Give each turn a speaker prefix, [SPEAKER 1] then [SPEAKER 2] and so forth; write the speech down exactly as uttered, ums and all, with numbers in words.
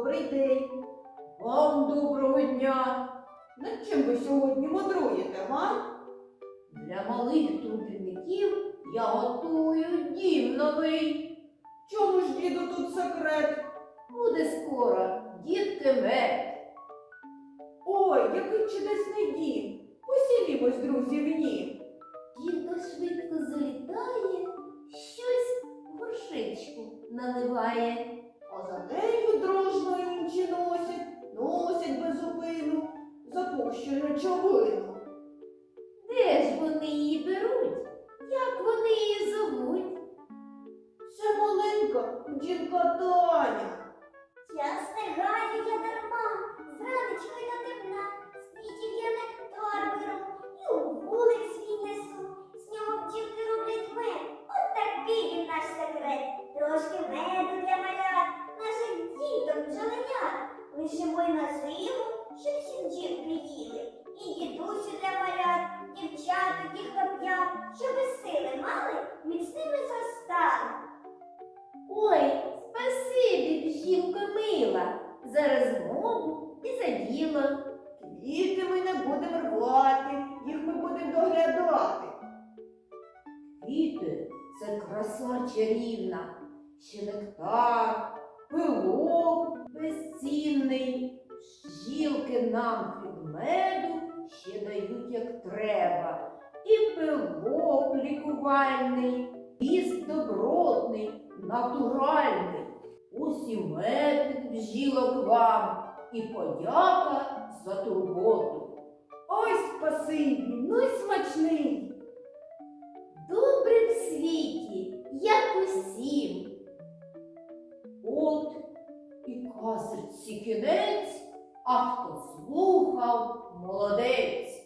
[SPEAKER 1] добрий день. Вам доброго дня. Над чим ви сьогодні мудруєте, га? Для малих трудівників я готую дім новий. Чому ж, діду, тут секрет? Буде скоро, дітки мед. Ой, який чудесний дім. Посілімось, друзі, в нім.
[SPEAKER 2] Дідо швидко залітає, щось в горшечку наливає.
[SPEAKER 1] А за нею дружно інші носять, носять без зупину запущу речовину.
[SPEAKER 2] Де ж вони її беруть? Як вони її зовуть?
[SPEAKER 1] Це маленька дівка Таня.
[SPEAKER 3] Я встигаю я дарма, з ранечка й до темна, з квітів я нектар беру і у вулик свій несу. З нього бджілки роблять мед, от такий він наш секрет. Трошки меду для малят, наших діток бджоленят. Лишимо й на зиму, щоб всі бджілки їли. І дідусю для малят, дівчаток і хлоп'ят, щоби сили мали, міцними зростали.
[SPEAKER 2] Ой, спасибі, бжілко мила, за розмову і за діло.
[SPEAKER 1] Квіти ми не будемо рвати, їх ми будемо доглядати. Квіти – це краса чарівна, ще нектар, пилок безцінний. Бджілки нам від меду ще дають як треба. І пилок лікувальний, піст добротний, натуральний. Ось і мед від бджілок вам, і подяка за турботу. Ой, спасибі, ну й смачний.
[SPEAKER 2] Добре в світі, як усім.
[SPEAKER 1] От і казочці кінець, а хто слухав, молодець.